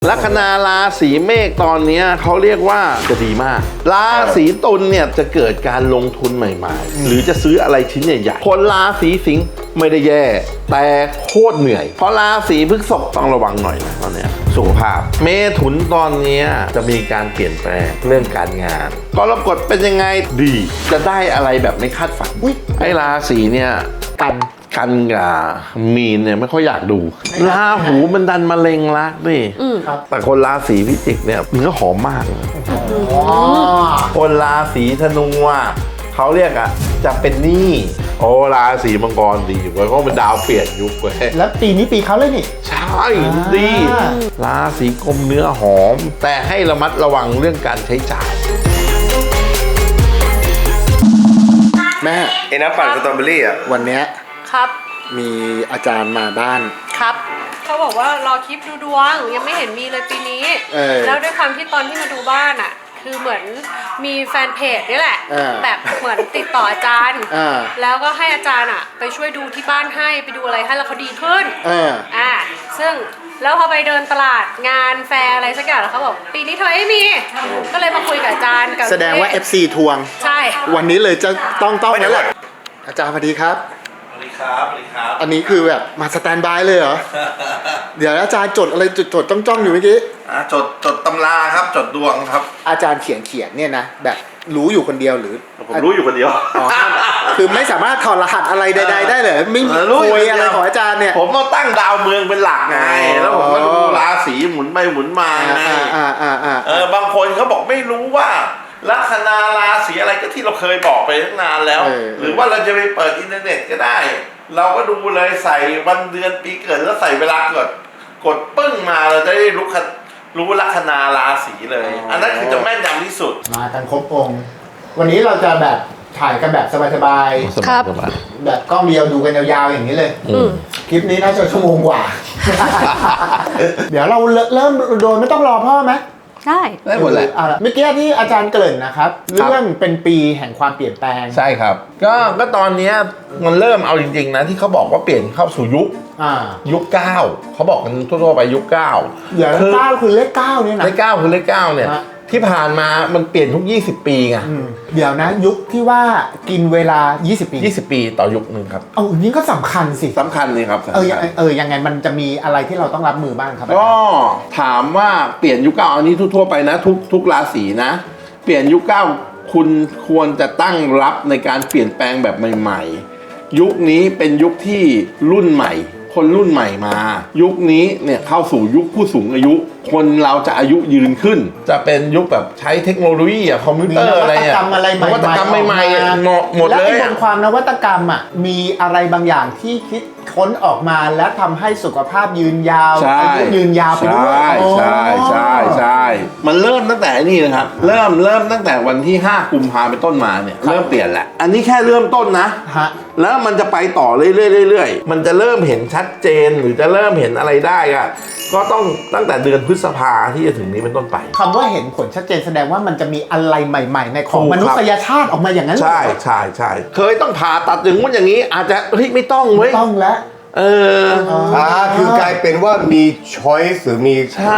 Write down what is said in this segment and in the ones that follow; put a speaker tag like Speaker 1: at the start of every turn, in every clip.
Speaker 1: ลัคนาราศีเมษตอนนี้เขาเรียกว่าจะดีมากราศีตุลเนี่ยจะเกิดการลงทุนใหม่ๆหรือจะซื้ออะไรชิ้นใหญ่ๆคนราศีสิงห์ไม่ได้แย่แต่โคตรเหนื่อยเพราะราศีพฤษภต้องระวังหน่อยนะตอนนี้สุขภาพเมถุนตอนนี้จะมีการเปลี่ยนแปลงเรื่องการงานกรกฎเป็นยังไงดีจะได้อะไรแบบไม่คาดฝันไอ้ราศีเนี่ยกันกับมีนเนี่ยไม่ค่อยอยากดูราหูมันดันมะเร็งรักดิแต่คนราศีพิจิกเนี่ยเนื้อหอมมากคนราศีธนูเขาเรียกจะเป็นหนี้โอ้ราศีมังกรดีเว้ยเพราะมันดาวเปลี่ยนยุคเว้ย
Speaker 2: แล้วปีนี้ปีเขาเลยนี่
Speaker 1: ใช่ดีราศีกุมเนื้อหอมแต่ให้ระมัดระวังเรื่องการใช้จ่าย
Speaker 2: แม่
Speaker 3: ไอ้น้ำปั่นสตรอเบอรี่
Speaker 2: วันเนี้ย
Speaker 4: ครับ
Speaker 2: มีอาจารย์มาบ้าน
Speaker 4: ครับเขาบอกว่ารอคลิปดูดวงยังไม่เห็นมีเลยปีนี้แล้วด้วยความที่ตอนที่มาดูบ้านคือเหมือนมีแฟนเพจนี่แหละแบบเหมือนติดต่ออาจารย์แล้วก็ให้อาจารย์ไปช่วยดูที่บ้านให้ไปดูอะไรให้แล้วเขาดีขึ้นซึ่งแล้วพอไปเดินตลาดงานแฟร์อะไรสักอย่างแล้วเขาบอกปีนี้เธอไม่มีก็เลยมาคุยกับอาจารย์
Speaker 2: แสดงว่า FC ทวง
Speaker 4: ใช่
Speaker 2: วันนี้เลยจะต้องแล้วแหละอาจารย์สวัสดีครับ
Speaker 1: สวัสดีครับ
Speaker 2: อันนี้คือแบบมาสแตนบายเลยเหรอ เดี๋ยวอาจารย์จดอะไรจดจ้องอยู่เมื่อกี้
Speaker 1: จดตำราครับจดดวงครับ
Speaker 2: อาจารย์เขียนเนี่ยนะแบบรู้อยู่คนเดียวหรือ
Speaker 1: ผมรู้อยู่คนเดียว
Speaker 2: คือไม่สามารถถอดรหัสอะไรใดๆได้เลยไม่มีคุยอะไรของอาจารย์เนี่ย
Speaker 1: ผมต้องตั้งดาวเมืองเป็นหลักไงแล้วผมก็ดูราศีหมุนไปหมุนมาไงบางคนเขาบอกไม่รู้ว่าลัคนาราศีอะไรก็ที่เราเคยบอกไปตั้งนานแล้วหรือว่าเราจะไปเปิดอินเทอร์เน็ตก็ได้เราก็ดูเลยใส่วันเดือนปีเกิดแล้วใส่เวลาเกิดกดปึ้งมาเราจะได้รู้ลัคนาราศีเลยอันนั้นคือจะแม่นยำที่สุด
Speaker 2: มากันครบองค์วันนี้เราจะแบบถ่ายกันแบบสบาย
Speaker 4: ๆครับ
Speaker 2: แบบกล้องเดียวดูกันยาวๆอย่างนี้เลยคลิปนี้น่าจะชั่วโมงกว่า เดี๋ยวเราเริ่มโดยไม่ต้องรอพ่อไหม
Speaker 4: ได้
Speaker 1: หมดแหละ
Speaker 2: เมื่อกี้ที่อาจารย์เกริ่นนะครับเรื่องเป็นปีแห่งความเปลี่ยนแปลง
Speaker 1: ใช่ครับก็ตอนนี้มันเริ่มเอาจริงๆนะที่เขาบอกว่าเปลี่ยนเข้าสู่ยุค9เขาบอกกันทั่วๆไปยุค9
Speaker 2: เดี๋ยว9คือเลข9เนี่ยนะ
Speaker 1: เลข9คือเลข9เนี่ยที่ผ่านมามันเปลี่ยนทุก20ปีไง
Speaker 2: เดี๋ยวนะยุคที่ว่ากินเวลา20ปี
Speaker 1: ต่อยุคนึงครับ
Speaker 2: อันนี้ก็สำคัญสิ
Speaker 1: สำคัญเลยครับ
Speaker 2: ยังไงมันจะมีอะไรที่เราต้องรับมือบ้างครับ
Speaker 1: ก็ถามว่าเปลี่ยนยุค9อันนี้ทั่วๆไปนะทุกราศีนะเปลี่ยนยุค9คุณควรจะตั้งรับในการเปลี่ยนแปลงแบบใหม่ๆยุคนี้เป็นยุคที่รุ่นใหม่คนรุ่นใหม่มายุคนี้เนี่ยเข้าสู่ยุคผู้สูงอายุคนเราจะอายุยืนขึ้นจะเป็นยุคแบบใช้เทคโนโลยีคอมพิวเตอร์อะไรนวัตกรรมใหม่ๆหมดเลย
Speaker 2: และบนความนวัตกรรมมีอะไรบางอย่างที่คิดค้นออกมาและทำให้สุขภาพยืนยาวอายุยืนยาวไปด้วย
Speaker 1: ใช่มันเริ่มตั้งแต่นี่นะครับเริ่มตั้งแต่วันที่5 กุมภาพันธ์เป็นต้นมาเนี่ยเริ่มเปลี่ยนแหละอันนี้แค่เริ่มต้นนะแล้วมันจะไปต่อเรื่อยๆมันจะเริ่มเห็นชัดเจนหรือจะเริ่มเห็นอะไรได้ก็ต้องตั้งแต่เดือนพฤษภาที่จะถึงนี้เป็นต้นไป
Speaker 2: คำว่าเห็นผลชัดเจนแสดงว่ามันจะมีอะไรใหม่ๆในของมนุษยชาติออกมาอย่างนั้น
Speaker 1: ใช่เคยต้องผ่าตัดอย่างนู้นอย่างนี้อาจจะไม่ต้องเว้ย
Speaker 2: ไม่ต้องแล้ว
Speaker 3: คือกลายเป็นว่ามี choice หรือมี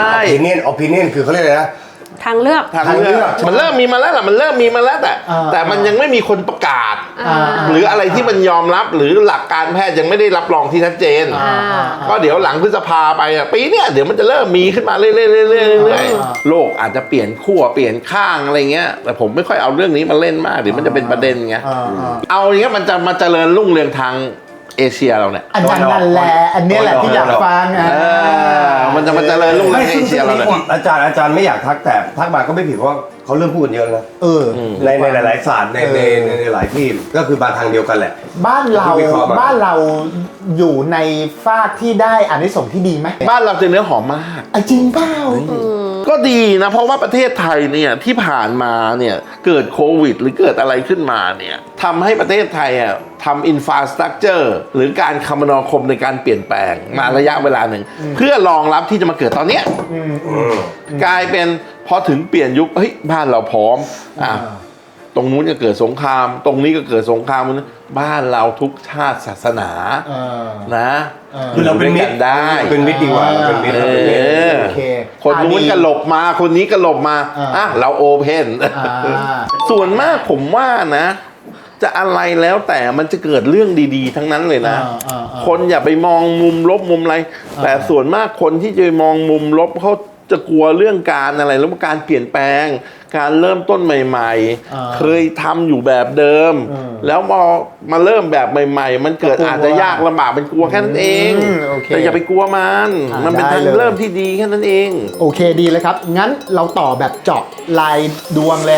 Speaker 3: opinion คือเขาเรียกอะไรนะ
Speaker 4: ทางเลือก
Speaker 1: มันเริ่มมีมาแล้วแต่มันยังไม่มีคนประกาศหรืออะไรที่มันยอมรับหรือหลักการแพทย์ยังไม่ได้รับรองที่ชัดเจนก็เดี๋ยวหลังพฤษภาไปปีเนี้ยเดี๋ยวมันจะเริ่มมีขึ้นมาเรื่อยๆโลกอาจจะเปลี่ยนขั้วเปลี่ยนข้างอะไรเงี้ยแต่ผมไม่ค่อยเอาเรื่องนี้มาเล่นมากเดี๋ยวมันจะเป็นประเด็นไงเอาอย่างเงี้ยมันจะมาเจริญรุ่งเรืองทางเอเชียเราเนี่ย
Speaker 2: อันนั้นแหละอันนี้แหละที่อยากฟัง
Speaker 1: มันจะมาเจริญรุ่งเรืองเอเชียเราเนี่ย
Speaker 3: อาจารย์ไม่อยากทักแต่ทักมาก็ไม่ผิดเพราะเขาเริ่มพูดกันเยอะแล้วในหลายศาสตร์ในหลายที่ก็คือมาทางเดียวกันแหละ
Speaker 2: บ้านเราอยู่ในฟากที่ได้อานิสงส์ที่ดีไหม
Speaker 1: บ้านเราจะเนื้อหอมมาก
Speaker 2: จริงเปล่า
Speaker 1: ก็ดีนะเพราะว่าประเทศไทยเนี่ยที่ผ่านมาเนี่ยเกิดโควิดหรือเกิดอะไรขึ้นมาเนี่ยทำให้ประเทศไทยทำอินฟราสตรัคเจอร์หรือการคมนาคมในการเปลี่ยนแปลงมาระยะเวลาหนึ่งเพื่อรองรับที่จะมาเกิดตอนเนี้ยกลายเป็นพอถึงเปลี่ยนยุคบ้านเราพร้อมตรงนู้นก็เกิดสงคราม ตรงนี้ก็เกิดสงครามบ้านเราทุกชาติศาสนานะ
Speaker 3: คือเราเป็นมิตร
Speaker 1: ได้
Speaker 3: เป็นมิตรดีกว่าเราเป็นมิตร
Speaker 2: โอเค
Speaker 1: คนนู้นก็หลบมาคนนี้ก็หลบมาเราโอเพนส่วนมากผมว่านะ จะอะไรแล้วแต่มันจะเกิดเรื่องดีๆ ทั้งนั้นเลยนะ คนอย่าไปมองมุมลบมุมอะไร แต่ส่วนมากคนที่จะมองมุมลบเขาจะกลัวเรื่องการอะไรแล้วการเปลี่ยนแปลง การเริ่มต้นใหม่ๆ เคยทำอยู่แบบเดิม แล้วพอมาเริ่มแบบใหม่ๆ มันเกิดอาจจะยากลำบากเป็นกลัวแค่นั้นเองแต่อย่าไปกลัวมันเป็นทางเริ่มที่ดีแค่นั้นเอง
Speaker 2: โอเคดีเลยครับงั้นเราต่อแบบเจาะรายดวงเลย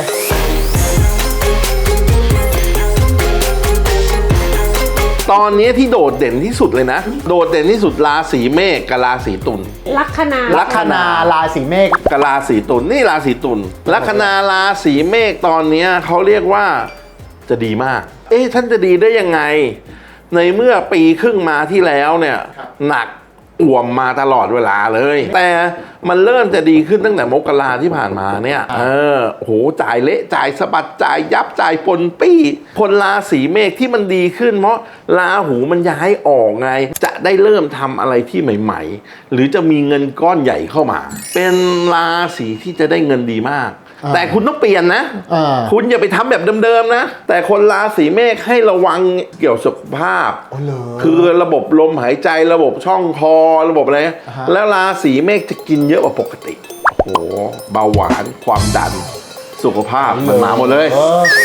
Speaker 1: ตอนนี้ที่โดดเด่นที่สุดเลยนะโดดเด่นที่สุดราศีเมษกับราศีตุล
Speaker 4: ลัคนา
Speaker 2: ลัคนาราศีเมษ
Speaker 1: กับราศีตุลนี่ราศีตุลลัคนาราศีเมษตอนนี้เขาเรียกว่าจะดีมากท่านจะดีได้ยังไงในเมื่อปีครึ่งมาที่แล้วเนี่ยหนักอ่วมมาตลอดเวลาเลยแต่มันเริ่มจะดีขึ้นตั้งแต่มกราที่ผ่านมาเนี่ยโหจ่ายเละจ่ายสะบัดจ่ายยับจ่ายปนปี้คนราศีเมษที่มันดีขึ้นเพราะราหูมันย้ายออกไงจะได้เริ่มทำอะไรที่ใหม่ๆหรือจะมีเงินก้อนใหญ่เข้ามา เป็นราศีที่จะได้เงินดีมากแต่คุณต้องเปลี่ยนนะคุณอย่าไปทำแบบเดิมๆนะแต่คนราศีเมษให้ระวังเกี่ยวสุขภาพคือระบบลมหายใจระบบช่องคอระบบอะไรแล้วราศีเมษจะกินเยอะกว่าปกติโอ้โหเบาหวานความดันสุขภาพมันมาหมดเลย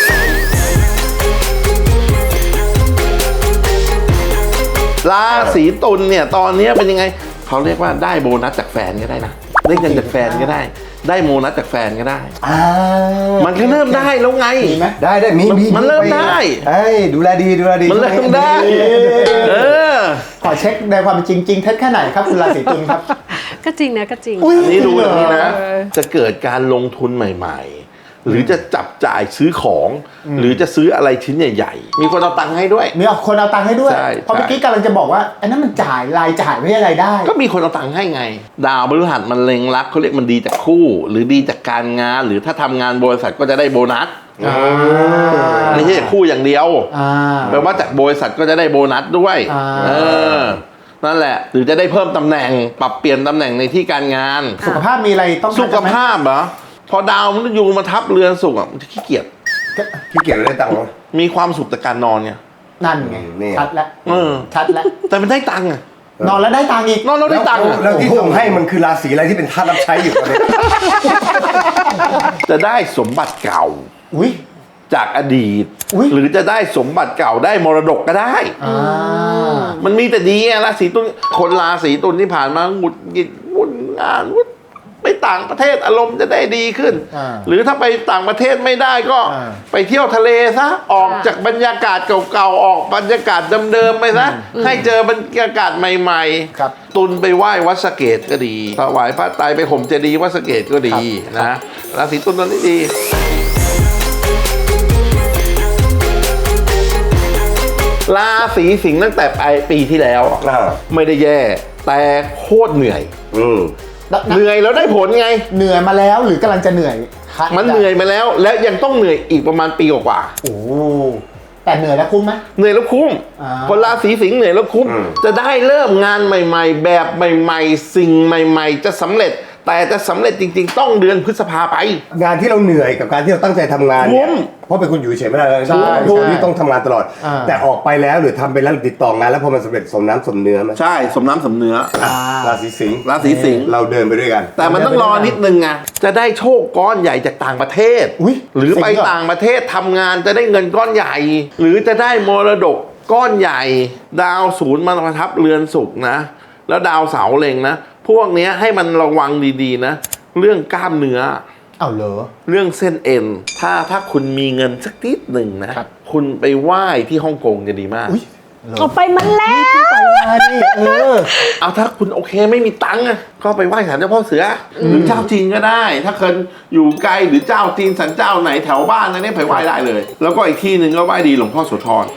Speaker 1: ราศีตุลเนี่ยตอนนี้เป็นยังไงเขาเรียกว่าได้โบนัสจากแฟนก็ได้นะได้เงินจากแฟนก็ได้ได้โบนัสจากแฟนก็ได้มันก็เริ่มได้แล้วไง
Speaker 3: ได้มี
Speaker 1: มันเริ่มได้
Speaker 3: ดูแลดี
Speaker 1: มันเริ่มได้
Speaker 2: ขอเช็คในความจริงเท็จแค่ไหนครับคุณราศีตุลครับ
Speaker 4: ก็จริงนะก็จริง
Speaker 1: อันนี้ดูอย่างนี้นะจะเกิดการลงทุนใหม่ๆหรือจะจับจ่ายซื้อของหรือจะซื้ออะไรชิ้นใหญ่ๆมีคนเอาตังค์ให้ด้วย
Speaker 2: มีคนเอาตังค์ให้ด้วยเพราะเมื่อกี้กำลังจะบอกว่าไอ้นั่นมันจ่ายรายจ่ายไม่ใช่รายได้
Speaker 1: ก็มีคนเอาตังค์ให้ไงดาวพฤหัสมันเล็งรักเขาเรียกมันดีจากคู่หรือดีจากการงานหรือถ้าทำงานบริษัทก็จะได้โบนัสไม่ใช่จากคู่อย่างเดียวแปลว่าจากบริษัทก็จะได้โบนัสด้วยนั่นแหละหรือจะได้เพิ่มตำแหน่งปรับเปลี่ยนตำแหน่งในที่การงาน
Speaker 2: สุขภาพมีอะไรต้อง
Speaker 1: สุขภาพเหรอพอดาวมันอยู่มาทับเรือนสุขมันจะขี้เกียจ
Speaker 3: ได้ตังค์
Speaker 1: มีความสุขจากการนอนไง
Speaker 2: นั่นไงชัดแล้วชัดแล้ว
Speaker 1: แต่มันได้ตังค์
Speaker 2: นอนแล้วได้ตังค์อีก
Speaker 1: นอนแล้วได้ตังค์
Speaker 3: แล้วที่ส่งให้มันคือราศีอะไรที่เป็นทาสรับใช้อยู่ตอนนี้
Speaker 1: จะได้สมบัติเก่าจากอดีตหรือจะได้สมบัติเก่าได้มรดกก็ได้มันมีแต่ดีราศีตุลคนราศีตุลที่ผ่านมาหงุดหงิดวุ่นงานไปต่างประเทศอารมณ์จะได้ดีขึ้นหรือถ้าไปต่างประเทศไม่ได้ก็ไปเที่ยวทะเลซะออกจากบรรยากาศเก่าๆออกบรรยากาศเดิมๆไปซะให้เจอบรรยากาศใหม่ๆตุลไปไหว้วัดสะเกษก็ดีถวายพระไตรไปห่มเจดีย์วัดสะเกษก็ดีนะราศีตุลตอนนี้ดีราศีสิงห์ตั้งแต่ปีที่แล้วไม่ได้แย่แต่โคตรเหนื่อยเหนื่อยแล้วได้ผลไง
Speaker 2: เหนื่อยมาแล้วหรือกำลังจะเหนื่อย
Speaker 1: มันเหนื่อยมาแล้วและยังต้องเหนื่อยอีกประมาณปีกว่า
Speaker 2: โอ้แต่เหนื่อยแล้วคุ้มไหม
Speaker 1: เหนื่อยแล้วคุ้มคนราศีสิงห์เหนื่อยแล้วคุ้มจะได้เริ่มงานใหม่ๆแบบใหม่ๆสิ่งใหม่ๆจะสำเร็จแต่จะสำเร็จจริงๆต้องเดือนพฤษภาไป
Speaker 3: งานที่เราเหนื่อยกับการที่เราตั้งใจทำงานเนี่ยเพราะเป็นคนอยู่เฉยไม่ได้เลยคนที่ต้องทำงานตลอดแต่ออกไปแล้วหรือทำไปแล้วติดต่องานแล้วพอมันสำเร็จสมน้ำสมเนื้อไหม
Speaker 1: ใช่สมน้ำสมเนื้อ
Speaker 3: ราศีสิงห์เราเดินไปด้วยกัน
Speaker 1: แต่มันต้องรอนิดนึงไงจะได้โชคก้อนใหญ่จากต่างประเทศหรือไปต่างประเทศทำงานจะได้เงินก้อนใหญ่หรือจะได้มรดกก้อนใหญ่ดาวศูนย์มาประทับเรือนศุกร์นะแล้วดาวเสาร์เล็งนะพวกนี้ให้มันระวังดีๆนะเรื่องกล้ามเนื้อ
Speaker 2: เหรอ
Speaker 1: เรื่องเส้นเอ็นถ้าคุณมีเงินสักนิดหนึ่งนะคุณไปไหว้ที่ฮ่องกงจะดีมาก
Speaker 4: เอาไปมันแล้ว
Speaker 1: เอาถ้าคุณโอเคไม่มีตังค์ก็ไปไหว้ศาลเจ้าพ่อเสือหรือเจ้าจีนก็ได้ถ้าเกิดอยู่ไกลหรือเจ้าจีนศาลเจ้าไหนแถวบ้านอะไรเนี่ยไปไหว้ได้เลยแล้วก็อีกที่หนึ่งก็ไหว้ดีหลวงพ่อโสธร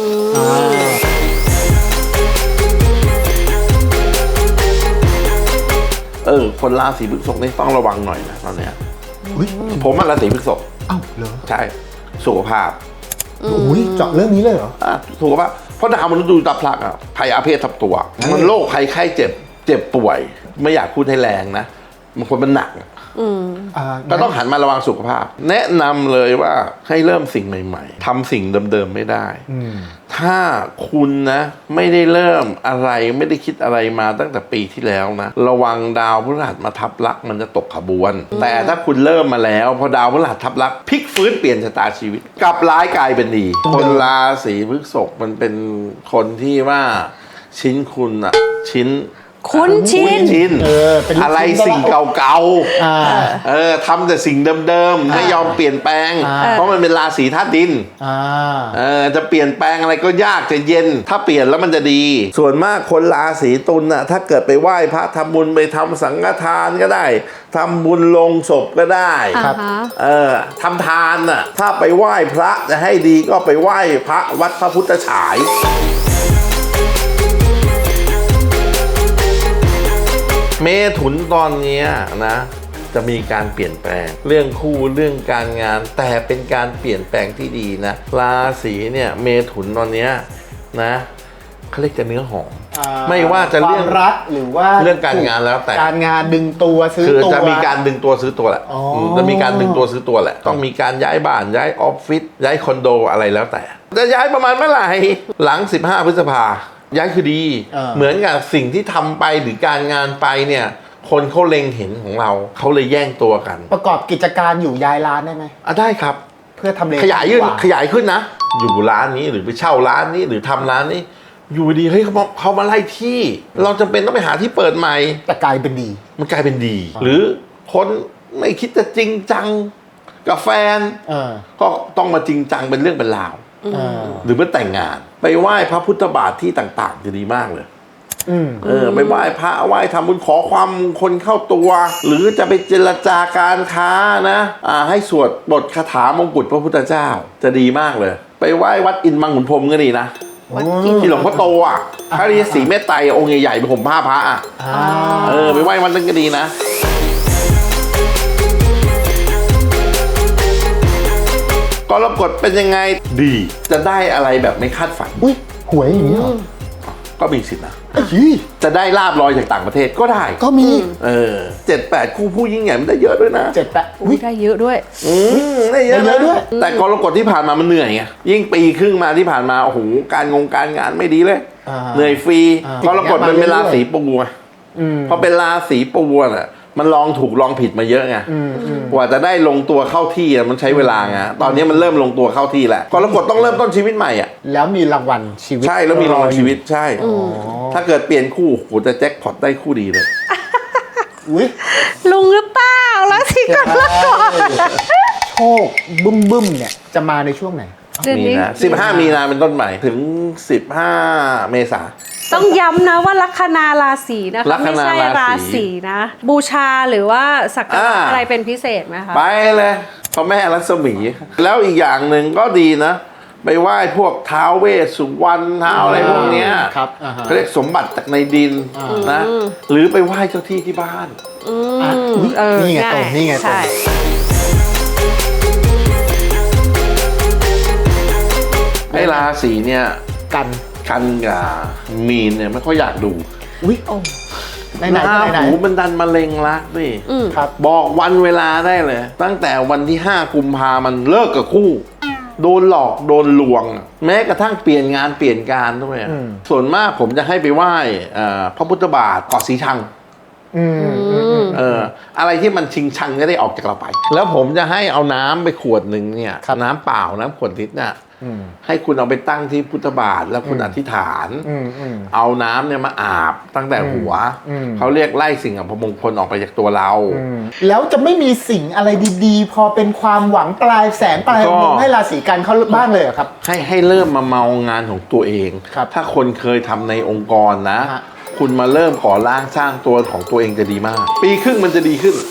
Speaker 1: คนราศีพฤษภนี่ต้องระวังหน่อยนะตอนเนี้ยผมราศีพฤษภ
Speaker 2: เหรอ
Speaker 1: ใช่สุขภาพ
Speaker 2: อุ้ยเจาะเรื่องนี้เลยเหรอ
Speaker 1: สุขภาพเพราะดาวมนุษย์ดูตาพลักอ่ะภัยอาเพศทับตัว มันโรคภัยไข้เจ็บป่วย ไม่อยากพูดให้แรงนะบางคนมันหนัก ก็ต้องหันมาระวังสุขภาพ แนะนำเลยว่าให้เริ่มสิ่งใหม่ๆทำสิ่งเดิมๆไม่ได้ ถ้าคุณนะไม่ได้เริ่มอะไรไม่ได้คิดอะไรมาตั้งแต่ปีที่แล้วนะระวังดาวพฤหัสมาทับลักษณ์มันจะตกขบวน แต่ถ้าคุณเริ่มมาแล้วพอดาวพฤหัสทับลักษณ์พลิกฟื้นเปลี่ยนชะตาชีวิตกลับร้ายกลายเป็นดี คนราศีพฤษภมันเป็นคนที่ว่าชิ้นคุณอะชิ้น
Speaker 4: คุ้นชิน
Speaker 2: เป็นลูกชิ้น
Speaker 1: อะไรสิ่งเก่าๆทำแต่สิ่งเดิมๆไม่ยอมเปลี่ยนแปลง เพราะมันเป็นราศีธาตุดินจะเปลี่ยนแปลงอะไรก็ยากจะเย็น ถ้าเปลี่ยนแล้วมันจะดี ส่วนมากคนราศีตุลน่ะถ้าเกิดไปไหว้พระทำบุญไปทำสังฆทานก็ได้ทำบุญลงศพก็ได้ ทำทานน่ะถ้าไปไหว้พระจะให้ดีก็ไปไหว้พระวัดพระพุทธฉายเมถุนตอนนี้นะจะมีการเปลี่ยนแปลงเรื่องคู่เรื่องการงานแต่เป็นการเปลี่ยนแปลงที่ดีนะราศีเนี่ยเมถุนตอนนี้นะเขาเรียกจะเนื้อหอมไม่ว่าจะเรื่อง
Speaker 2: รักหรือว่า
Speaker 1: เรื่องการงานแล้วแต่
Speaker 2: การงานดึงตัวซื้อตัว
Speaker 1: จะมีการดึงตัวซื้อตัวแหละจะมีการดึงตัวซื้อตัวแหละต้องมีการย้ายบ้านย้ายออฟฟิศย้ายคอนโดอะไรแล้วแต่จะย้ายประมาณเมื่อไหร่หลัง15 พฤษภาย้ายคือดีเหมือนกับสิ่งที่ทำไปหรือการงานไปเนี่ยคนเขาเล็งเห็นของเราเขาเลยแย่งตัวกัน
Speaker 2: ประกอบกิจการอยู่ย้ายร้านได้ไหม
Speaker 1: ได้ครับ
Speaker 2: เพื่อทำเล
Speaker 1: ขยายขึ้นนะอยู่ร้านนี้หรือไปเช่าร้านนี้หรือทำร้านนี้อยู่ดีเฮ้ยเขามาไล่ที่เราจำเป็นต้องไปหาที่เปิดใหม่
Speaker 2: แต่กลายเป็นดี
Speaker 1: มันกลายเป็นดีหรือคนไม่คิดจะจริงจังกับแฟนก็ต้องมาจริงจังเป็นเรื่องเป็นราวหรือเมื่อแต่งงานไปไหว้พระพุทธบาทที่ต่างๆจะดีมากเลยไปไหว้พระไหว้ทำบุญขอความมงคลเข้าตัวหรือจะไปเจรจาการค้านะให้สวดบทคาถามงกุฎพระพุทธเจ้าจะดีมากเลยไปไหว้วัดอินทร์มังขุนพรหมก็ดีนะที่หลวงพ่อโตพระฤาษีเมตไตรองค์ใหญ่ๆเป็นผมผ้าพระไปไหว้วัดนั้นก็ดีนะกรกฎเป็นยังไงดีจะได้อะไรแบบไม่คาดฝัน
Speaker 2: หวยอย่างนี้
Speaker 1: ก็มีสิทธินะจะได้ลาบลอยจากต่างประเทศก็ได้
Speaker 2: ก็มี
Speaker 1: 7-8 คู่ผู้ยิ่งใหญ่มันได้เยอะด้วยนะ
Speaker 4: 7-8ได้เยอะด้วย
Speaker 1: ได้เยอะด้วยแต่กรกฎที่ผ่านมามันเหนื่อยไงยิ่งปีครึ่งมาที่ผ่านมาโอ้โหการงานไม่ดีเลยเหนื่อยฟรีกรกฎมันเป็นราศีปูพอเป็นราศีปูน่ะมันลองถูกลองผิดมาเยอะไงกว่าจะได้ลงตัวเข้าที่มันใช้เวลาไงตอนนี้มันเริ่มลงตัวเข้าที่แล้วกรกฎต้องเริ่มต้นชีวิตใหม่
Speaker 2: แล้วมีรางวัลชีวิต
Speaker 1: ใช่แล้วมีรางวัลชีวิตใช่ถ้าเกิดเปลี่ยนคู่โหจะแจ็คพอตได้คู่ดีเลย
Speaker 4: ลุงหรือเปล่าราศีกรกฎ
Speaker 2: โชคบึ้มเนี่ยจะมาในช่วงไหน
Speaker 1: มีนะ15 มีนาเป็นต้นใหม่ถึง15 เมษา
Speaker 4: ต้องย้ำนะว่าลัคนาราศีนะคะไม่ใช่ราศีนะบูชาหรือว่าสักการะอะไรเป็นพิเศษไหมคะ
Speaker 1: ไปเลยพระแม่รัศมีแล้วอีกอย่างหนึ่งก็ดีนะไปไหว้พวกท้าวเวสสุวรรณท้าวอะไรพวกเนี้ยเขาเรียกสมบัติจากในดินนะหรือไปไหว้เจ้าที่ที่บ้าน
Speaker 2: นี่ไงตรงนี่ไงตรง
Speaker 1: ไอ้ราศีเนี่ยกันกับมีนเนี่ยไม่ค่อยอยากดู
Speaker 2: ไหน
Speaker 1: หูมันดันมะเร็งรักดิบอกวันเวลาได้เลยตั้งแต่วันที่5 กุมภามันเลิกกับคู่โดนหลอกโดนลวงแม้กระทั่งเปลี่ยนงานเปลี่ยนการด้วยส่วนมากผมจะให้ไปไหว้พระพุทธบาทเกาะสีชังอะไรที่มันชิงชังก็ได้ออกจากเราไปแล้วผมจะให้เอาน้ำไปขวดหนึ่งเนี่ยน้ำเปล่าน้ำขวดลิตรเนี่ยให้คุณเอาไปตั้งที่พุทธบาทแล้วคุณอธิษฐานเอาน้ำเนี่ยมาอาบตั้งแต่หัวเขาเรียกไล่สิ่งอัปมงคลออกไปจากตัวเรา
Speaker 2: แล้วจะไม่มีสิ่งอะไรดีๆพอเป็นความหวังปลายแสงปลายอุโมงค์ให้ราศีกันเขาบ้างเลยครับ
Speaker 1: ให้เริ่มมาเมางานของตัวเองถ้าคนเคยทำในองค์กรนะคุณมาเริ่มก่อร่างสร้างตัวของตัวเองจะดีมากปีครึ่งมันจะดีขึ้น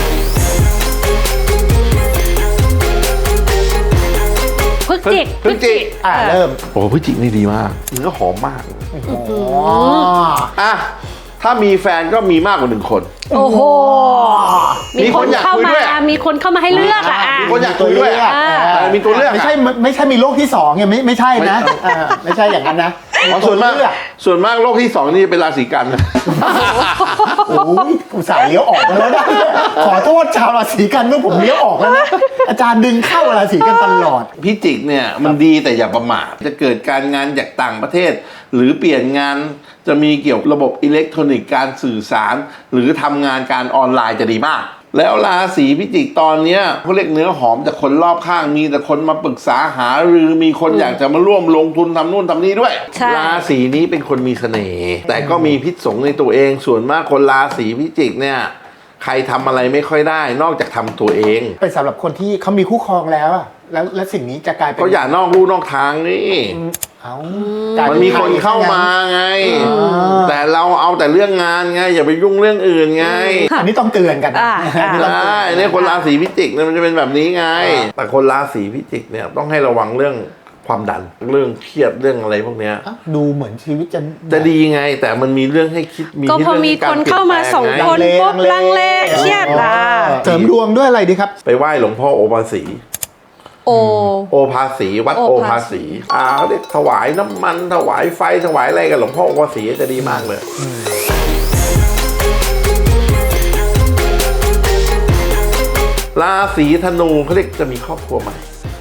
Speaker 4: พฤศจิก
Speaker 2: เริ่ม
Speaker 1: โอ้พฤศจิกนี่ดีมากเนื้อหอมมากถ้ามีแฟนก็มีมากกว่า1 คน
Speaker 4: โอ้โห
Speaker 1: มี
Speaker 4: คนเข้ามามีคนเข้ามาให้เลือกอ่ะ
Speaker 1: มีคนอยากคุยด้วยมีตัวเลือก
Speaker 2: ไม่ใช่มีโลกที่2ไงไม่ใช่นะไม่ใช่อย่างนั้นนะ
Speaker 1: ส่วนมากโลกที่2นี่เป็นราศีกันนะ
Speaker 2: โอ้ยอุตส่าห์เลี้ยวออกมาแล้วนะขอโทษชาวราศีกันเมื่อผมเลี้ยวออกแล้วนะอาจารย์ดึงเข้าราศีกันตลอด
Speaker 1: พิจิกเนี่ยมันดีแต่อย่าประมาทจะเกิดการงานจากต่างประเทศ หรือเปลี่ยนงานจะมีเกี่ยวกับระบบอิเล็กทรอนิกส์การสื่อสาร หรือทำงานการออนไลน์จะดีมาก แล้วราศีพิจิกตอนเนี้ยเขาเรียกเนื้อหอมจากคนรอบข้างมีแต่คนมาปรึกษาหารือมีคนอยากจะมาร่วมลงทุนทำนู่นทำนี่ด้วย ราศีนี้เป็นคนมีเสน่ห์แต่ก็มีพิษสงในตัวเองส่วนมากคนราศีพิจิกเนี่ยใครทำอะไรไม่ค่อยได้นอกจากทำตัวเอง
Speaker 2: เป็นสำหรับคนที่เขามีคู่ครองแล้วอะแล้วสิ่งนี้จะกลายเป็น
Speaker 1: ก็อย่านอกลู่นอกทางนี่ มันมีคนเข้ามาไง แต่เราเอาแต่เรื่องงานไงอย่าไปยุ่งเรื่องอื่นไง
Speaker 2: อันนี้ต้องเตือนกันนะ
Speaker 1: ใช่เนี่ยคนราศีพิจิกเนี่ยมันจะเป็นแบบนี้ไง แต่คนราศีพิจิกเนี่ยต้องให้ระวังเรื่องความดันเรื่องเครียดเรื่องอะไรพวกเนี้ย
Speaker 2: ดูเหมือนชีวิตจะ
Speaker 1: ดีไง แต่มันมีเรื่องให้คิด
Speaker 4: ก็พอมีคนเข้ามา2 คนปุ๊บลังเลเครียดล่ะ
Speaker 2: เสริมดวงด้วยอะไรดีครับ
Speaker 1: ไปไหว้หลวงพ่อโอภาสีโอภาสีวัดโอภาสีเขาเรียกถวายน้ำมันถวายไฟถวายอะไรกับหลวงพ่อโอภาสีจะดีมากเลยราศีธนูเขาเรียกจะมีครอบครัวใหม่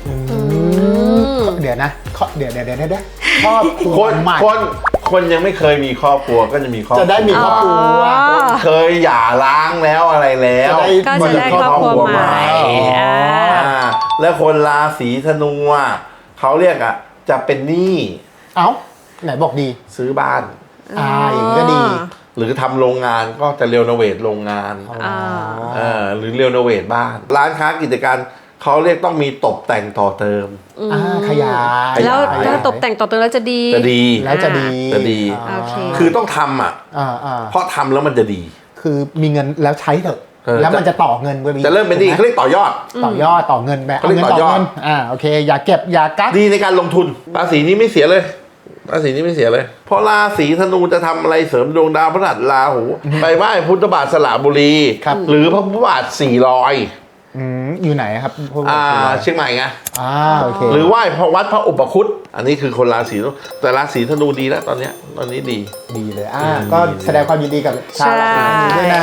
Speaker 2: เดี๋ยวนะเดี๋ยวครอบครัวใหม่
Speaker 1: คนยังไม่เคยมีครอบครัวก็จะมีครอบครัว
Speaker 2: จะได้มีครอบครัว
Speaker 1: เคยหย่าร้างแล้วอะไรแล้ว
Speaker 4: ก็จะได้ครอบครัวใหม่
Speaker 1: แล้วคนราศีธนูเขาเรียกจะเป็นหนี้
Speaker 2: ไหนบอกดี
Speaker 1: ซื้อบ้าน
Speaker 2: อย่างนี้ก็ดี
Speaker 1: หรือทำโรงงานก็จะเรีโนเวทโรงงานหรือเรีโนเวทบ้านร้านค้ากิจการเขาเรียกต้องมีตกแต่งต่อเติม
Speaker 2: ขยาย
Speaker 4: แล้วตกแต่งต่อเติมแล้วจะดี
Speaker 2: แล้วจะดี
Speaker 1: คือต้องทำเพราะทำแล้วมันจะดี
Speaker 2: คือมีเงินแล้วใช้เถอะแล้วมันจะต่อเงินไป
Speaker 1: จะเริ่มเป็นดีเขาเรียกต่อยอด
Speaker 2: ต่อเงินแบบเอาเงินต่อเงินโอเคอย่าเก็บอย่ากัก
Speaker 1: ดีในการลงทุนราศีนี้ไม่เสียเลยราศีนี้ไม่เสียเลยเพราะราศีธนูจะทำอะไรเสริมดวงดาวพฤหัสราหูไปไหว้พุทธบาทสระบุรีหรือพระพุทธบาท400
Speaker 2: อยู่ไหนครับ
Speaker 1: เชียงใหม่ไง
Speaker 2: โอเค
Speaker 1: หรือไหว้วัดพระอุปคุตอันนี้คือคนราศีแต่ราศีธนูดีแล้วตอนนี้ดี
Speaker 2: เลยก็แสดงความยินดีกับชาวราศีธนูด้วยนะ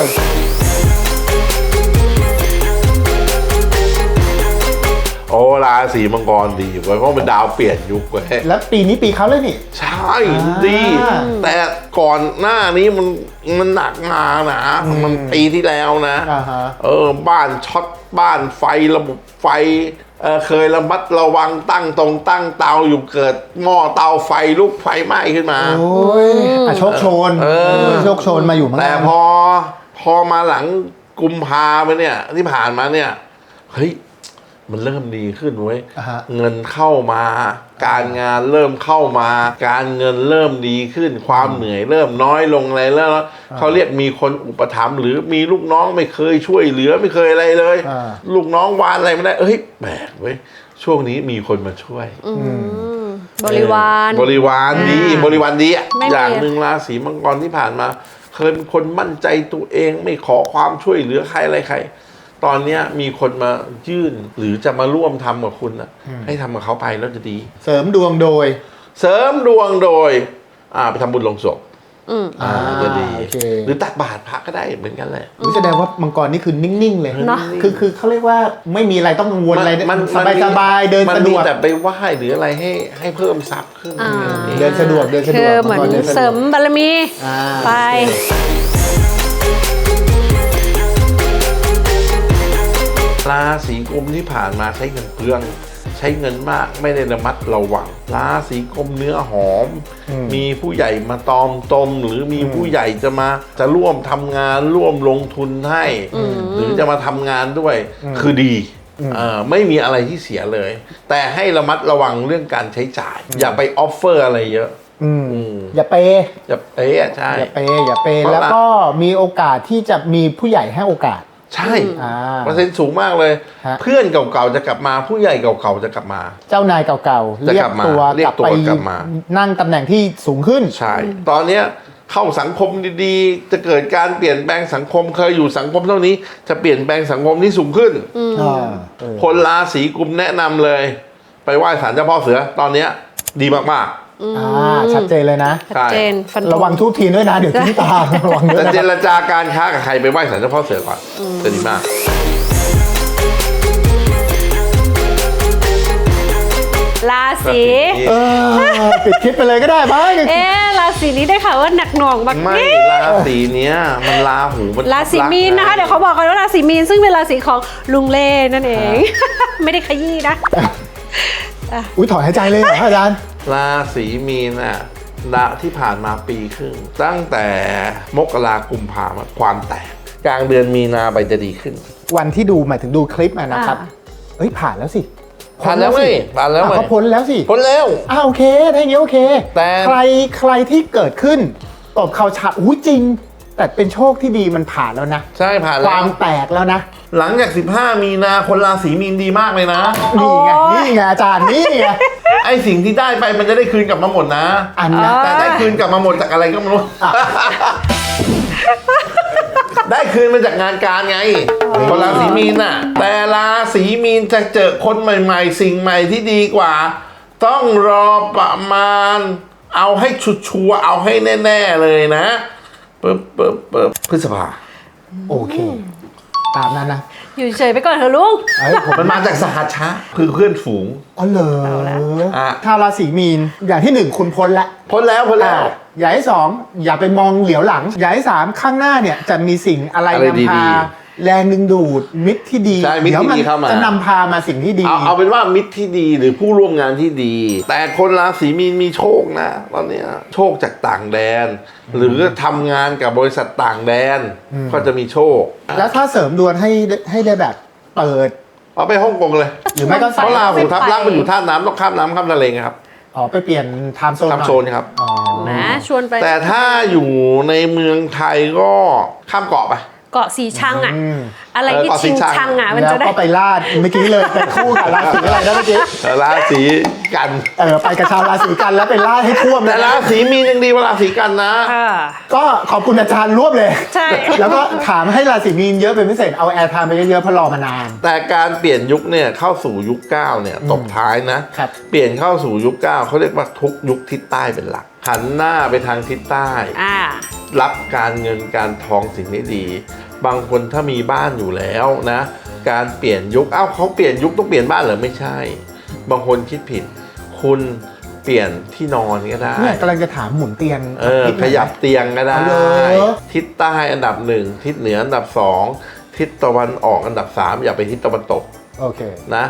Speaker 1: โอ้ราศีมังกรดีเพราะมันดาวเปลี่ยนยุคเว้ย
Speaker 2: แล้วปีนี้ปีเขาเลยนี่
Speaker 1: ใช่ดีแต่ก่อนหน้านี้มันหนักมานะมันปีที่แล้วนะบ้านช็อตบ้านไฟระบบไฟเคยระมัดระวังตั้งเตาอยู่เกิดหม้อเตาไฟลุกไฟไหม้ขึ้นมา
Speaker 2: โอ้ยโชคโชนมาอยู่
Speaker 1: แต่พอมาหลังกุมภาพันธ์เนี่ยที่ผ่านมาเนี่ยเฮ้ยมันเริ่มดีขึ้นเว้ยเงินเข้ามาการงานเริ่มเข้ามาการเงินเริ่มดีขึ้นความเหนื่อยเริ่มน้อยลงอะไรแล้วเขาเรียกมีคนอุปถัมภ์หรือมีลูกน้องไม่เคยช่วยเหลือไม่เคยอะไรเลยลูกน้องวานอะไรไม่ได้แปลกเว้ยช่วงนี้มีคนมาช่วย
Speaker 4: บริวาร
Speaker 1: ดีอย่างหนึ่งราศีมังกรที่ผ่านมาเคยเป็นคนมั่นใจตัวเองไม่ขอความช่วยเหลือใครอะไรใครตอนนี้มีคนมายื่นหรือจะมาร่วมทำกับคุณให้ทำกับเขาไปแล้วจะดี
Speaker 2: เสริมดวงโดย
Speaker 1: ไปทำบุญลงศพจะดีหรือตักบาตรพระก็ได้เหมือนกันแหละ
Speaker 2: แสดงว่ามังกรนี่คือนิ่งๆเลยนะคือเขาเรียกว่าไม่มีอะไรต้องกังวลอะไรมันสบายเดินสะดวก
Speaker 1: แต่ไปไหว้หรืออะไรให้เพิ่มทรัพย์ขึ้น
Speaker 2: เดินสะดวก
Speaker 4: คือเหมือนเสริมบารมีไป
Speaker 1: ราศีกุมที่ผ่านมาใช้เงินเปลืองใช้เงินมากไม่ได้ระมัดระวังราศีกุมเนื้อหอมมีผู้ใหญ่มาตอมตมหรือมีผู้ใหญ่จะร่วมทำงานร่วมลงทุนให้หรือจะมาทำงานด้วยคือดีไม่มีอะไรที่เสียเลยแต่ให้ระมัดระวังเรื่องการใช้จ่ายอย่าไปออฟเฟอร์อะไรเยอะ
Speaker 2: อย่าเป
Speaker 1: ใช่
Speaker 2: อย่าเปแล้วก็มีโอกาสที่จะมีผู้ใหญ่ให้โอกาส
Speaker 1: ใช่เปอร์เซ็นต์สูงมากเลยเพื่อนเก่าๆจะกลับมาผู้ใหญ่เก่าๆจะกลับมา
Speaker 2: เจ้านายเก่าๆเรียกตัวกลับไปนั่งตำแหน่งที่สูงขึ้น
Speaker 1: ใช่ตอนนี้เข้าสังคมดีๆ จะเกิดการเปลี่ยนแปลงสังคมเคยอยู่สังคมเท่านี้จะเปลี่ยนแปลงสังคมที่สูงขึ้น คนราศีกุมแนะนำเลย ไปไหว้ศาลเจ้าพ่อเสือตอนเนี้ยดีมากๆ
Speaker 2: ชัดเจนเลยนะ
Speaker 4: ชัดเจนฟันธง
Speaker 2: ระวังทุกทีด้วยนะ เดี๋ยวทิ้งตาระวังด้วย
Speaker 1: จะ
Speaker 2: นะ
Speaker 1: เจรจาการค้ากับใครไปไหว้ศาลเจ้าพ่อเสือก่อนจะดีมาก
Speaker 4: ราศี
Speaker 2: ปิดคลิปไปเลยก็ได้บ้าง
Speaker 4: ราศีนี้ได้ข่าวว่าหนักหน่วงมาก
Speaker 1: ไม่ราศีเนี้ยมันราหูมัน
Speaker 4: ราศีมีนนะคะ เดี๋ยวเขาบอกกันว่าราศีมีนซึ่งเป็นราศีของลุงเล่นั่นเอง ไม่ได้ขยี้นะ
Speaker 2: อุ้ยถอนหายใจเลยเหรออาจารย์
Speaker 1: ราศีมีนน่ะที่ผ่านมาปีครึ่งตั้งแต่มกรากุมภาพันธ์ความแตกกลางเดือนมีนาไปจะดีขึ้น
Speaker 2: วันที่ดูหมายถึงดูคลิปนะครับเฮ้ยผ่านแล้วสิ
Speaker 1: ผ่านแล้วไหมผ่านแล้วไหม
Speaker 2: ก็พ้นแล้วสิ
Speaker 1: พ้นแล้ว
Speaker 2: โอเคถ้าอย่างนี้โอเค
Speaker 1: แต่
Speaker 2: ใครที่เกิดขึ้นตบเข่าฉาบจริง แต่เป็นโชคที่ดีมันผ่านแล้วนะ
Speaker 1: ใช่ผ่าน
Speaker 2: ค
Speaker 1: แล้ว
Speaker 2: วามแตกแล้วนะ
Speaker 1: หลังจาก15มีนาคนราศีมีนดีมากเลยนะ
Speaker 2: นี่ไงอาจารย์นี่ไง
Speaker 1: ไอสิ่งที่ได้ไปมันจะได้คืนกลับมาหมดนะ
Speaker 2: อันนะ
Speaker 1: แต่ได้คืนกลับมาหมดจากอะไรก็ไม่รู้ ได้คืนมาจากงานการไง คนราศีมีนน่ะ แต่ราศีมีนจะเจอคนใหม่ๆ สิ่งใหม่ที่ดีกว่า ต้องรอประมาณ เอาให้ชัวร์ๆเอาให้แน่ๆเลยนะปึ๊บพฤษภา
Speaker 2: โอเค ตามนั้นนะ
Speaker 4: อยู่เฉยไปก่อนเถอะลุง
Speaker 1: มันมาจากสหัชชะคือเพื่อนฝูง
Speaker 2: อ๋อเหรอ
Speaker 1: อ่ะ
Speaker 2: ชาวราศีมีนอย่างที่หนึ่งคุณพ้นละ
Speaker 1: พ้นแล้ว
Speaker 2: อย่างที่สองอย่าไปมองเหลียวหลังอย่างที่สามข้างหน้าเนี่ยจะมีสิ่งอะไร
Speaker 1: อะไร
Speaker 2: นำพา
Speaker 1: ดี
Speaker 2: แรงดึงดูดมิตรที่ดี
Speaker 1: ใช่มิตรที่
Speaker 2: เดี๋ยว
Speaker 1: ดีเข้ามา
Speaker 2: จะนำพามาสิ่งที่ดี
Speaker 1: เอาเป็นว่ามิตรที่ดีหรือผู้ร่วมงานที่ดี แต่คนราศีมีนมีโชคนะตอนเนี้ยโชคจากต่างแดน หรือทำงานกับบริษัทต่างแดน ก็จะมีโชค
Speaker 2: แล้วถ้าเสริมดวงให้ได้แบบเปิด
Speaker 1: เอาไปฮ่องกงเลย
Speaker 2: หรือไม่ก็
Speaker 1: เพราะราหูทับลักษณ์มันอยู่ท่าน้ำต้องข้ามน้ำข้ามทะเลไงครับ
Speaker 2: ไปเปลี่ยนไทม์โซน
Speaker 1: ข้ามโซนครับ
Speaker 4: นะชวนไป
Speaker 1: แต่ถ้าอยู่ในเมืองไทยก็ข้ามเกาะไป
Speaker 4: เกาะสีชังอะอะไรที่
Speaker 1: เกาะสี
Speaker 4: ชิง
Speaker 1: ชัง
Speaker 4: ชังอะมัน
Speaker 2: แล้ว
Speaker 4: จะได้
Speaker 2: ก็ไปลาดเมื่อกี้เลยไปคู่กับราศีอะไรนะเมื่อกี้
Speaker 1: ราศีกัน
Speaker 2: ไปกับชาวราศีกันแล้วไปลาดให้ท่วม
Speaker 1: แต่
Speaker 2: เลย
Speaker 1: ราศีมีนยังดีกว่าราศีกันนะ
Speaker 2: ก็ขอบคุณอาจารย์รวบเลย
Speaker 4: ใช่
Speaker 2: แล้วก็ถามให้ราศีมีนเยอะเป็นพิเศษเอาแอร์ไทม์ไปเยอะๆเพราะรอมานาน
Speaker 1: แต่การเปลี่ยนยุคเนี่ยเข้าสู่ยุค9เนี่ยตบท้ายนะครับ เปลี่ยนเข้าสู่ยุค9เขาเรียกว่าทุกยุคทิศใต้เป็นหลักหันหน้าไปทางทิศใต้ รับการเงินการทองสิ่งนี้ดี บางคนถ้ามีบ้านอยู่แล้วนะ การเปลี่ยนยุคเขาเปลี่ยนยุคต้องเปลี่ยนบ้านเหรอไม่ใช่ บางคนคิดผิด คุณเปลี่ยนที่นอนก็ได้
Speaker 2: เนี่ยกำลังจะถามหมุนเตียง
Speaker 1: ขยับเตียงก็ได้
Speaker 2: เอาเลย
Speaker 1: ทิศใต้อันดับ1ทิศเหนืออันดับ2ทิศตะวันออกอันดับ3อย่าไปทิศตะวันตก
Speaker 2: โอเค
Speaker 1: นะ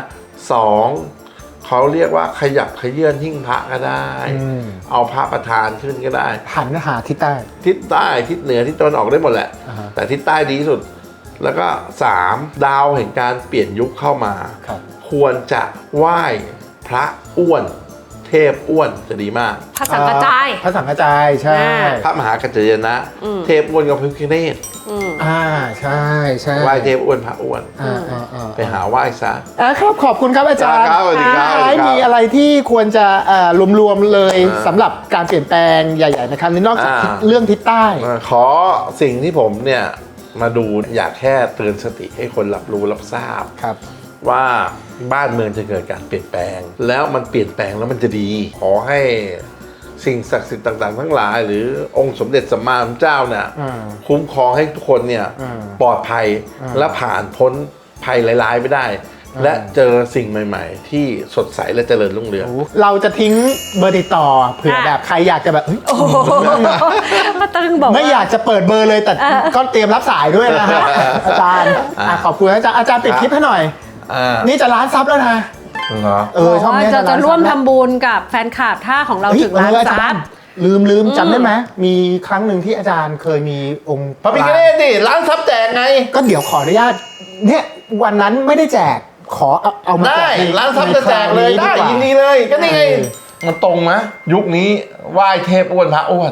Speaker 1: 2เขาเรียกว่าขยับขยื่นหิ้งพระก็ได้ เอาพระประธานขึ้นก็ได้
Speaker 2: หันหาทิศใต้
Speaker 1: ทิศใต้ทิศเหนือทิศตะวันออกได้หมดแหละ
Speaker 2: อ่าฮะ
Speaker 1: แต่ทิศใต้ดีที่สุด แล้วก็3ดาวแห่งการเปลี่ยนยุคเข้ามา
Speaker 2: ครับ
Speaker 1: ควรจะไหว้พระอ้วน เทพอ้วนจะดีมาก
Speaker 4: พระสังกระจาย
Speaker 2: พระสังกระจายใช่
Speaker 1: พระมหากัจจยนะ เทพอ้วนกับพระพิฆเนศ
Speaker 2: ใช่ใช่
Speaker 1: ไหว้เทพอ้วนพระอ้วน ไปหาไหว้ซะ
Speaker 2: ครับขอบคุณครับอาจารย์
Speaker 1: ครับสวัสดีครับ
Speaker 2: ท้ายมีอะไรที่ควรจะรวมๆเลยสำหรับการเปลี่ยนแปลงใหญ่ๆนะครับนอกจากเรื่องทิศใต้
Speaker 1: ขอสิ่งที่ผมเนี่ยมาดูอยากแค่เตือนสติให้คนรับรู้รับทราบ
Speaker 2: ครับ
Speaker 1: ว่าบ้านเมืองจะเกิดการเปลี่ยนแปลง แล้วมันเปลี่ยนแปลงแล้วมันจะดี ขอให้สิ่งศักดิ์สิทธิ์ต่างๆ ทั้งหลาย หรือองค์สมเด็จสัมมาสัมพุทธเจ้าเนี่ยคุ้มครองให้ทุกคนเนี่ยปลอดภัยและผ่านพ้นภัยร้ายๆไปได้ และเจอสิ่งใหม่ๆ ที่สดใสและเจริญรุ่งเรือง
Speaker 2: เราจะทิ้งเบอร์ติดต่อเผื่อแบบใครอยากจะแบบเฮ้ย
Speaker 4: มาตึงบอก
Speaker 2: ไม่อยากจะเปิดเบอร์เลยแต่ก็เตรียมรับสายด้วยนะฮะอาจารย์ขอบคุณอาจารย์ปิดคลิปให้หน่อยนี่จะล้านซับแล้วนะ
Speaker 1: เหรอ
Speaker 2: ช่องนี้
Speaker 4: จะร่วมทำบุญกับแฟนคลับถ้าของเราถึงล้านซับ
Speaker 2: ลืมจำได้ไหมมีครั้งหนึ่งที่อาจารย์เคยมีองค์
Speaker 1: พระพิฆเนศดิร้านซับแจกไง
Speaker 2: ก็เดี๋ยวขออนุญาตเนี่ยวันนั้นไม่ได้แจกขอเอามาแจ
Speaker 1: ได้
Speaker 2: กใน
Speaker 1: ร้านซับจะแจกเลยได้ยินดีเลยก็นี่ไงมันตรงไหมยุคนี้ไหว้เทพอ้วนพระอ้วน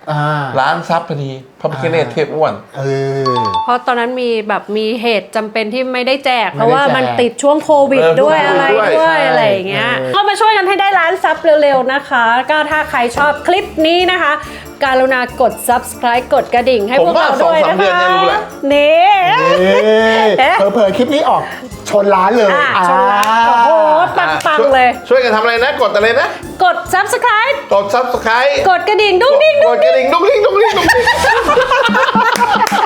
Speaker 1: ร้านซับพอดีพระพิฆเนศเทพอ้วน
Speaker 4: เพราะตอนนั้นมีเหตุจำเป็นที่ไม่ได้แจกเพราะว่ามันติดช่วงโควิดด้วยอะไรด้วยอะไรอย่างเงี้ยก็มาช่วยกันให้ได้ล้านซับเร็วๆนะคะก็ถ้าใครชอบคลิปนี้นะคะการุณากด subscribe กดกระดิ่งให้พวกเราด้วยนะคะนี่
Speaker 2: เผลอคลิปนี้ออกชนล้านเลย
Speaker 4: ชนล้านโอ้โหปังๆเลย
Speaker 1: ช่วยกันทำอะไรนะกดอะไรนะ
Speaker 4: กด subscribe
Speaker 1: กด subscribe
Speaker 4: กดกระดิ่งดุ้งดิ้ง
Speaker 1: กดกระดิ่งดุ้งดิ้งดุ้งดิ้งดุ้งดิ้ง